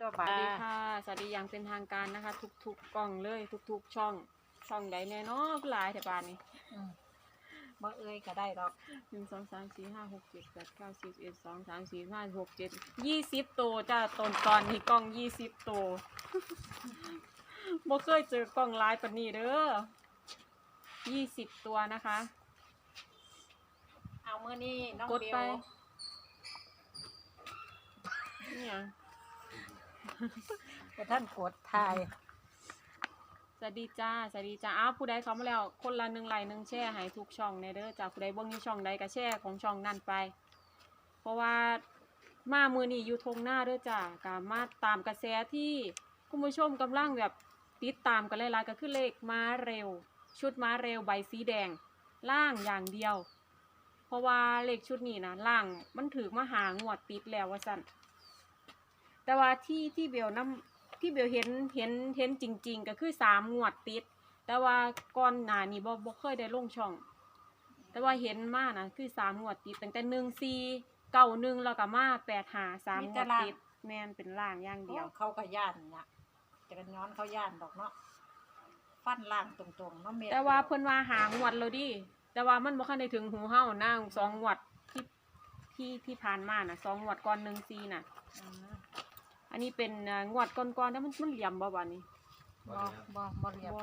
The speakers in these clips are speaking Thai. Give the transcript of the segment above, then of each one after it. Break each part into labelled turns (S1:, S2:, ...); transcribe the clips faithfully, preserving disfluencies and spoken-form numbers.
S1: บา
S2: สวัส
S1: ดี
S2: ดี
S1: ค่ะ
S2: ค่ะสวัสดีอย่างเป็นทางการนะคะ ทุกๆกล้องเลยทุกๆช่องช่องใดแน่เนอนหลายแต่บานนี้
S1: อืมบ่เอ้ยก็ได้ดอก
S2: หนึ่งสองสามสี่ห้าหกเจ็ดแปดเก้าสิบเอ็ดสองสามสี่ห้าหกเจ็ดยี่สิบตัวจ้าตอนตอนนี้กล้องยี่สิบตัว บ่เคยเจอกล้องหลายปานนี้เด้อยี่สิบตัวนะคะ
S1: เอามื้อนี้น้อง
S2: กด
S1: เบ
S2: ไป
S1: ล
S2: เนี่ย
S1: บ่ท่านกดทาย
S2: สวัสดีจ้าสวัสดีจ้าอ้าวผู้ใดเข้ามาแล้วคนละหนึ่งไลค์หนึ่งแชร์ให้ทุกช่องในเด้อจ้าผู้ใดเบิ่งอยู่ช่องใดก็แชร์ของช่องนั่นไป เพราะว่ามามือนี้อยู่ทงหน้าเด้อจ้ากามาตามกระแสที่คุณผู้ชมกำลังแบบติดตามกันหลายๆก็คือเลขม้าเร็ว ชุดม้าเร็วใบสีแดงล่างอย่างเดียว เพราะว่าเลขชุดนี้นะล่างมันถือมาหางวดติดแล้วว่าสั่นแต่ว่าที่ที่เบลน้ำที่เบลเห็นเห็นเห็นจริง ๆ ก็คือสามงวดติด แต่ว่าก่อนหน้านี้บ่บ่เคยได้ลงช่อง แต่ว่าเห็นมานะคือสามงวดติดตั้งแต่หนึ่งสี่เก้าหนึ่งแล้วก็มาแปดหาสามงวดติดแมนเป็นล่างอย่างเดียว
S1: เขาก็ย่านเนี่ยจะกันย้อนเขาย่านดอกเนาะฟันล่างตรงๆเนาะเม็ด
S2: แต่ว่าเพิ่นว่าหางวดแล้วดิแต่ว่ามันบ่คันได้ถึงหูเฮานะสองงวดที่ที่ที่ผ่านมาน่ะสองงวดก่อนหนึ่งสี่น่ะ
S1: อืม
S2: อันนี้เป็นเอ่องวดก่อนๆแล้วมันมันเหลี่ยมบ่บัดนี้
S1: บ่บ่บ่เรียบ
S2: บ่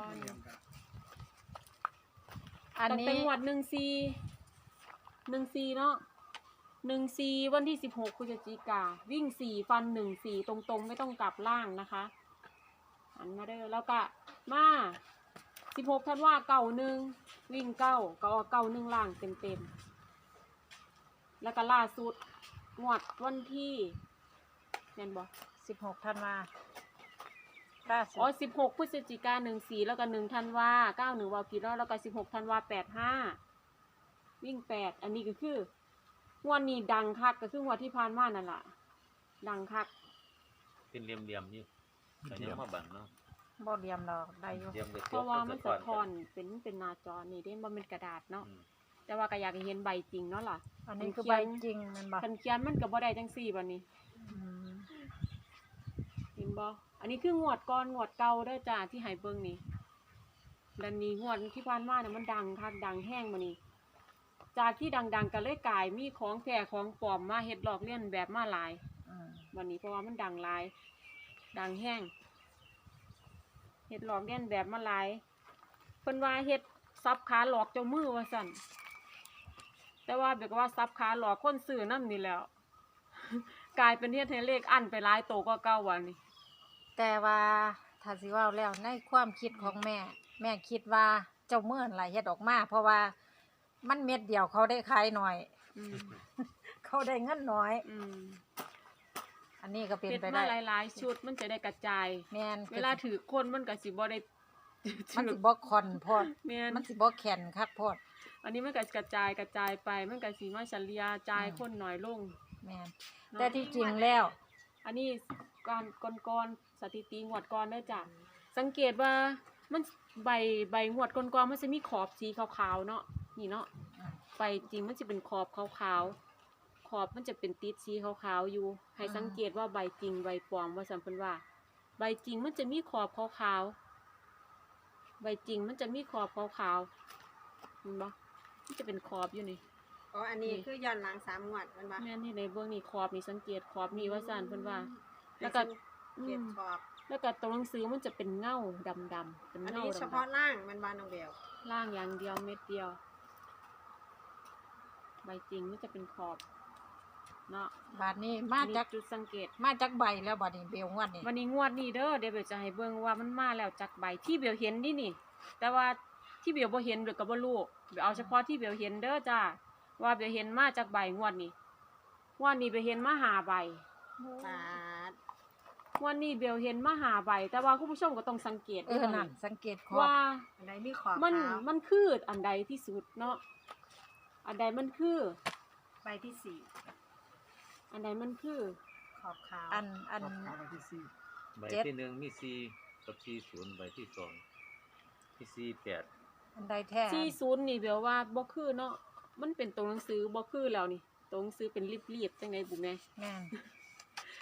S1: อัน
S2: ตั้ง
S1: นี้
S2: แต่งวดหนึ่งสี่หนึ่งสี่เนาะหนึ่งสี่วันที่สิบหกพฤศจิกาวิ่งสี่ฟันหนึ่งสี่ตรงๆไม่ต้องกลับล่างนะคะอันมาเด้อแล้วก็มาสิบหกธันวาเก้าหนึ่งวิ่งเก้าก็เก้าหนึ่งล่างเต็มๆแล้วก็ล่าสุดงวดวันที่แม่นบ่
S1: สิบหกธันวาล่าสุด
S2: อ๋อสิบหกพฤศจิกาหนึ่งสี่แล้วก็หนึ่งธันวาเก้าหนึ่งวากี่รอบแล้วก็สิบหกธันวาแปดห้าวิ่งแปดอันนี้ก็คืองวดนี้ดังคักก็คืองวดที่ผ่านมานั่นล่ะดังคัก
S3: เป็นเหลี่ยมๆนี่แต่ยังมาบังเนาะ
S1: บ่เรียมดอกได้อยู่
S3: เหลี่ยมได้
S2: เพราะว่ามันสะท้อน
S3: กั
S2: เป็นเป็นหน้าจอนี่เด้บ่เป็นกระดาษเนาะ
S3: อืม
S2: แต่ว่าก็อยากให้เห็นใบจริงเนาะล่ะ
S1: อันนี้คือใบจริงแมันบ่
S2: คันเขียนมันก็บ่ได้จังซี่บัดนี้
S1: อืม
S2: เห็นบ่อันนี้คืองวดก่อนงวดเก่าเด้อจ้าที่ให้เบิ่งนี่แล้วนี่งวดที่ผ่านมาเนี่ยมันดังคักดังแห้งมานี่จากที่ดังๆก็เลยกลายมีของแท้ของปลอมมาเฮ็ดหลอกเลียนแบบมาหลาย
S1: อืม
S2: วันนี้เพราะว่ามันดังหลาย ดังแห้งเฮ็ดหลอกเลียนแบบมาหลายเพิ่นว่าเฮ็ดซับขาหลอกเจ้ามือว่าซั่นแต่ว่าเบียกว่าซับขาหลอกคนซื้อนำนี่แหล้ว กลายเป็นเฮ็ดให้เลขอั้นไปหลายโตกว่าเก่าวันนี้
S1: แต่ว่าถ้าสิเว้าแล้วในความคิดของแม่ แม่คิดว่าเจ้าเมื่อนไหลเฮ็ดออกมา เพราะว่ามันเม็ดเดียวเขาได้ขายหน่อย
S2: อืม
S1: เขาได้เงินน้อย
S2: อืม
S1: อันนี้ก็เป็น
S2: เฮ็ด
S1: ไป
S2: มา
S1: ได้
S2: หลายๆชุดมันจะได้กระจาย
S1: แม่น
S2: เวลาถือคนมันก็สิบ่ได้
S1: มัน
S2: ถื
S1: สิ
S2: อ
S1: บ่คอนโพอด
S2: แม่น
S1: มันสิบ่แข็งคักโพอด
S2: อันนี้มันก็กระจายกระจายไปมันก็สิมาเฉลี่ยจ่าย
S1: อืม
S2: คนน้อยลง
S1: แม่น
S2: เนาะ
S1: แต่ที่จริงแล้ว
S2: อันนี้การก่อนๆสถิติงวดก่อนเด้อจ้ะสังเกตว่ามันใบใบงวดก่อนๆมันจะมีขอบสีขาวๆเนาะนี่เนาะใบจริงมันจะเป็นขอบขาวๆขอบมันจะเป็นติดสีขาวๆอยู่ให้สังเกตว่าใบจริงใบปลอมว่าสัมพันว่า ใบจริงมันจะมีขอบขาวๆใบจริงมันจะมีขอบขาวๆเห็นบ่มันจะเป็นขอบอยู่นี่
S4: อ๋อ อันนี้คือย้อนหลังสามงวดมันบ่
S2: แม่นที่ในเบื้องนี่ขอบนี่สังเกตขอบนี่ว่าสั่นเพิ่นว่า แล้
S4: แล้ว ว
S2: ก็
S4: ก็เกียรขอบ
S2: แล้วก็ตัวหนังสือมันจะเป็นเงาดำๆเป็น
S4: อัน
S2: เงา
S4: นี้เฉพาะ
S2: ดำ
S4: ล่างมันบานน้องเบล
S2: ๆล่างอย่างเดียวเม็ดเดียว ใบจริงมันจะเป็นขอบเนาะ
S1: บาดนี้มาจาก
S2: จุดสังเกต
S1: มาจากใบแล้วบัดนี้เบลงวดนี่
S2: วันนี้งวดนี้เด้อเดี๋ยวเบลจะให้เบิ่งว่ามันมาแล้วจากใบที่เบลเห็นนี่นี่ แต่ว่าที่เบลบ่เห็นเบลก็บ่รู้เบลเอาเฉพาะที่เบลเห็นเด้อจ้าว่าเบลเห็นมาจากใบงวดนี้งวดนี้เบลเห็นมาหาใบ
S4: ปาด
S2: วันนี้เบลเห็นมาหาใบแต่ว่าคุณผู้ชมก็ต้องสังเกต
S1: เอ
S2: ด้วย
S1: อนั่นสังเกตขอบ
S2: ว่า
S4: อันไหนมีขอบ
S2: มัน
S4: ขาว
S2: มันคืออันใดที่สุดเนาะอันใดมันคือ
S4: ใบที่สี่
S2: อันใดมันคือ
S4: ขอบขาว
S1: อันอัน
S3: ใบ
S1: เจ็ด
S3: ที่หนึ่งมีสี่กับสี่ศูนย์ใบที่สองมีสี่แปด
S1: อันใดแท้
S2: สี่ศูนย์นี่เบลว่าบ่คือเนาะมันเป็นตัวหนังสือบ่คือแล้วนี่ตัวหนังสือเป็นรีบๆจังไดบุแม่
S1: แม่น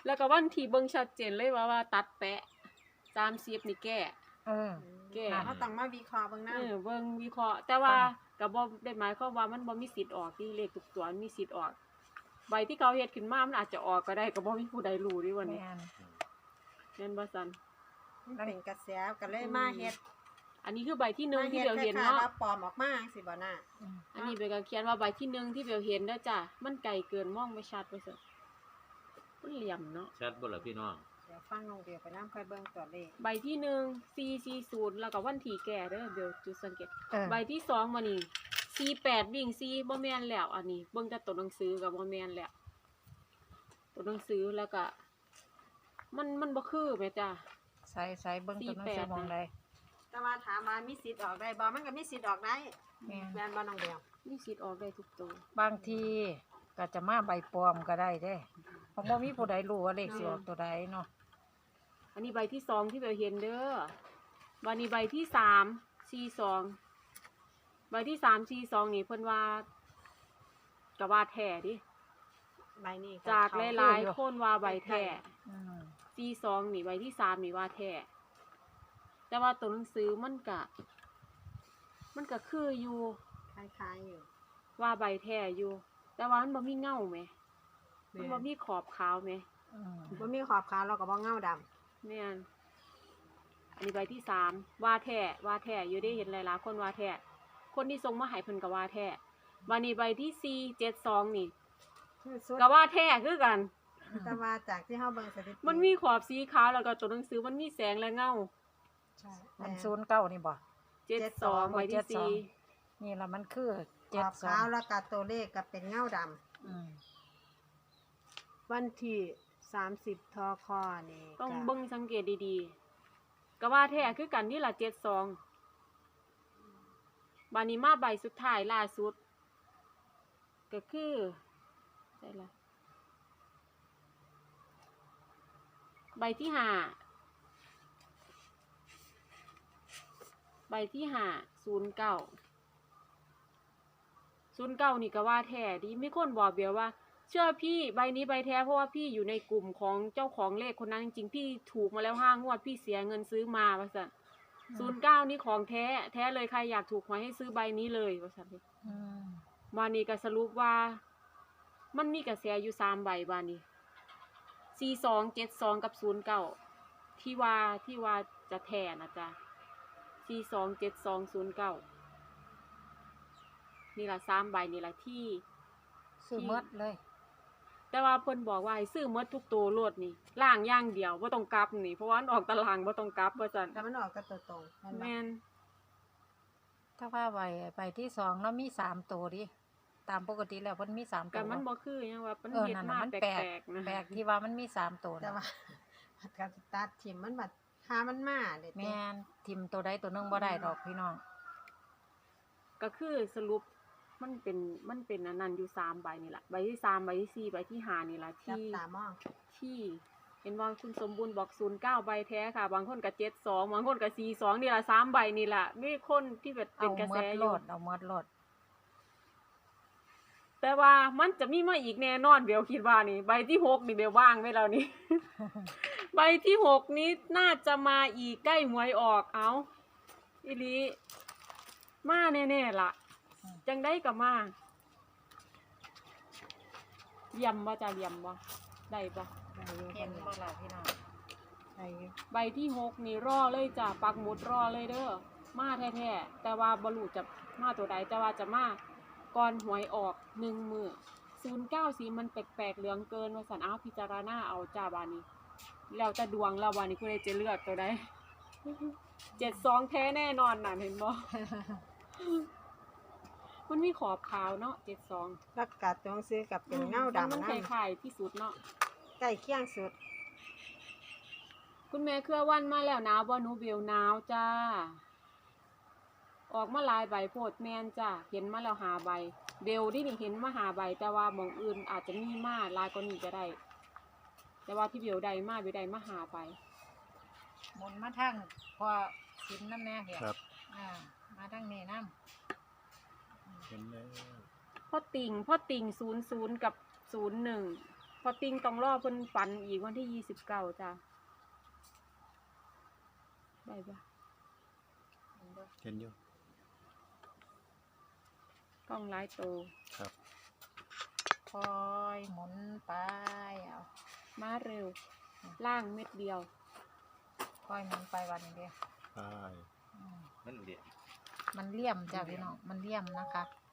S2: แล้วก็วันที่เบิ่งชัดเจนเลยว่าว่าตัดแปะสามสิบนี่แก้
S1: เออ
S2: แก้
S4: เขาต้องมาวิเคราะห์เบางหน้า
S2: เออเบิ่งวิเคราะห์แต่ว่าก็บ่ได้หมายความว่ามันบ่มีสิทธิ์ออกที่เลขทุกตัวมันมีสิทธิ์ออก ใบที่เขาเฮ็ดขึ้นมามันอาจจะออกก็ได้ก็บ่มีผู้ใดรู้ดิวันนี้
S1: แม่น
S2: แม่นบ่ซั่น
S4: มันเป็นกระแสก็เลยมาเฮ็ด
S2: อันนี้คือใบที่หนึ่ง
S4: มา
S2: ที่
S4: เฮ็ด
S2: เบลเห็น
S4: คล้าย
S2: เนาะ
S4: ๆแล้วปลอมออกมาสิบ่น่ะ
S1: อืม
S2: อันนี้เบลก็เขียนว่าใบที่หนึ่งที่เบลเห็นเด้อจ้ะมันไกลเกินมองไม่ชัดว่าซั่นมันเหลี่ยมเนาะ
S3: ชัดบ่ล่ะพี่น้อง
S4: เดี๋ยวฟังน้องเดียวไปน้ำค่อยเบิ่งตัวเลข
S2: ใบที่หนึ่งสี่สี่ศูนย์แล้วก็วันที่แก่เด้อเบลจุดสังเกต
S1: เออ
S2: ใบที่สองมานี่สี่แปดวิ่งสี่บ่แม่นแล้ว อันนี้เบิ่งแต่ตัวหนังสือกับบ่แม่นแล้วตัวหนังสือแล้วก็ มันมันบ่คือแม่จ้ะ
S1: ใส่ใส่เบิ่งตัวหนังสือ
S2: สี่แปด
S1: มองใด
S4: แต่ว่าถามว่ามีสิทธิ์ออกได้บ่มันก็มีสิทธิ์ออกได้
S1: แม่น
S4: แม่นบ่น้องเดียว
S2: มีสิทธิ์ออกได้ทุกตัว
S1: บางทีก็จะมาใบปลอมก็ได้เด้เพราะบ่มีผู้ใดรู้ว่าเลขสิออกตัวใดเนาะ
S2: อันนี้ใบที่สองที่เบลเห็นเด้อวันนี้ใบที่สามสี่สองใบที่สามสี่สองนี่เพิ่นว่าก็ว่าแท้ดิ
S4: ใบนี้
S2: จาก
S4: เข
S2: หลายๆคนว่าใบแท้
S1: อืม
S2: สี่สองนี่ใบที่สามนี่ว่าแท้แต่ว่าตัวหนังสือมันกะ มันก็คืออยู่
S4: คล้ายๆอยู่
S2: ว่าใบแท้อยู่ แต่ว่ามันบ่มีเงาไหมมัน
S4: แม่
S2: บ่มีขอบขาวไหม
S1: อืม
S4: บ่มีขอบขาวเราก็บ่เงาดำ
S2: แม่นอันนี้ใบที่สามว่าแท้ว่าแท้อยู่ได้เห็นหลายๆคนว่าแท้คนที่ส่งมาให้เพิ่นก็ว่าแท้วันนี้ใบที่สี่เจ็ดสองนี่
S4: คือสุด
S2: ก็ว่าแท้คือกัน
S4: แต่ว่าจากที่เฮาเบิ่งสถิติ
S2: มันมีขอบสีขาวแล้วก็ตัวหนังสือมันมีแสงและเงา
S4: ใช่
S1: มัน
S4: แม่
S1: ศูนย์เก้านี่บ่
S2: เจ็ดสองใบที่สี่
S1: นี่ละมันคือ
S4: ข
S1: เจ็ด
S4: อบ
S1: สอ
S4: ขาง วแล้วก็ตัวเลขก็เป็นเงาดำ
S1: อืม
S4: วันที่สามสิบทคนี่
S2: ต้อง
S4: ก็
S2: เบิ่งสังเกตดีๆก็ว่าแท้คือกันนี่ละเจ็ดสองบานี้มาใบสุดท้ายล่าสุด ก็คือใช่ละใบที่ห้าใบที่ห้าศูนย์เก้าศูนย์เก้านี่ก็ว่าแท้ดิมีคนบอกเบียวว่า เชื่อพี่ใบนี้ใบแท้เพราะว่าพี่อยู่ในกลุ่มของเจ้าของเลขคนนั้นจริงๆพี่ถูกมาแล้วห้างวดพี่เสียเงินซื้อมาว่าสันศูนย์เก้านี่ของแท้แท้เลยใครอยากถูกหวยให้ซื้อใบนี้เลยว่าสัน
S1: อืม
S2: บานี้ก็สรุปว่า มันมีกระแสอยู่สามใบบานี้สี่สองเจ็ดสองกับศูนย์เก้าที่ว่าที่ว่าจะแท้นะจ๊ะสี่สองเจ็ดสองศูนย์เก้านี่ละสามใบนี่ละที่
S1: ซื้อหมดเลย
S2: แต่ว่าเพิ่นบอกว่าให้ซื้อหมดทุกตัวโลดนี่ล่างอย่างเดียวบ่ต้องกลับนี่เพราะว่ามันออกตารางบ่ต้องกลับว่าซั่น
S4: แต่มันออกก็ตัวตรงเห็นบ่
S2: แม่น
S1: ถ้าว่าใบใบที่สองเนาะมีสามตัวดิตามปกติแล้วเพิ่นมีสามตั
S2: ก็
S1: ว
S2: มันบ่คือหยังว่ามัน
S1: เออ
S2: เฮ็ด
S1: นั่น
S2: มา
S1: น่ะมัน
S2: แป
S1: แปลก
S2: ลกๆนะ
S1: แปลกที่ว่ามันมีสามตัว
S4: แต่
S1: นะ
S4: ว่าผัดกับตัดทิมมันบัดหามันมาเด็ด
S1: แม่นทิมตัวใดตัวหนึงบ่ได้ดอกพี่น้อง
S2: ก็คือสรุปมันเป็นมันเป็นอันนั้นอยู่สามใบนี่ล่ะใบที่สามใบที่สี่ใบที่ห้านี่ล่ะ
S4: จับ
S2: ที่
S4: ตามอง
S2: ที่เห็นว่าคุณสมบูรณ์บอกศูนย์เก้าใบแท้ค่ะ บางคนก็เจ็ดสองบางคนก็สี่สองนี่ล่ะสามใบนี่ล่ะมีคนที่แบบเป็
S1: เอา
S2: นกระ
S1: หม
S2: แส
S1: ด
S2: อ
S1: โล
S2: ยู่
S1: ดเอาหมดโลด
S2: แต่ว่ามันจะมีมาอีกแน่นอนเบลคิดว่านี่ใบที่หกนี่เบลว่างไว้แล้วนี่ ใบที่หกนี้น่าจะมาอีกใกล้หวยออกเอาอีหลีมาแน่ๆล่ะ จังได้กับมาเยี่ยมบ่จะเยี่ยมบ่ได้บ่
S4: ได้อยู่
S1: เห็นบ่ล่ะพี่น้อง
S4: ได้อยู่
S2: ใบที่หกนี่รอเลยจ้ะปักหมุดรอเลยเด้อมาแท้ๆแต่ว่าบ่รู้จะมาตัวใดแต่ว่าจะมาก่อนหวยออกหนึ่งมือศูนย์เก้าสีมันแปลกๆเหลืองเกินว่าสันอ้าวพิจารณาเอาจ้าบานี้ แล้วจะดวงแล้วบานี้คุณจะเลือกตัวใด เจ็ดสองแท้แน่นอนน่ะเห็นบ่ มันมีขอบขาวเนาะเจ็ดสอง
S4: แล้วกัดตรงซื้อกับเป็นเงาดำ
S2: มัน
S4: นะ
S2: คล้ายๆที่สุดเนาะ
S4: ใกล้เคียงสุด
S2: คุณแม่เครือวันมาแล้วหนาวบ่หนูเบลหนาวจ้า ออกมาหลายใบโพดแมนจ้าเห็นมาแล้วหาใบ เบลที่นี่เห็นมาหาใบ แต่ว่าหมองอื่นอาจจะมีมาหลายกว่านี้ก็ได้ แต่ว่าที่เบลได้มาเบลได้มาหาใบ
S1: หมุนมาทางพอสินน้ำแม่เหี่ย
S3: ครับ
S1: อ่ามาทางนี้น้
S3: เห็นแล้ว
S2: พ่อติ่งพ่อติ่งศูนย์ศูนย์กับศูนย์หนึ่งอติงต้องรอเพิ่นฝันอีกวันที่ยี่สิบเก้าจ้ะได้ปะ
S5: เห็นอยู่
S2: กล้องไลท์โต
S5: ครับ
S1: คอยหมุนไปเอา
S2: มาเร็ว ล่างเม็ดเดียว
S1: คอยหมุนไปวันนี้เดียว
S5: ใช่
S1: อืม
S3: นั่นเดียว
S1: มันเลี่ยมจ้ะพี่น้องมันเลี่ยมนะคะ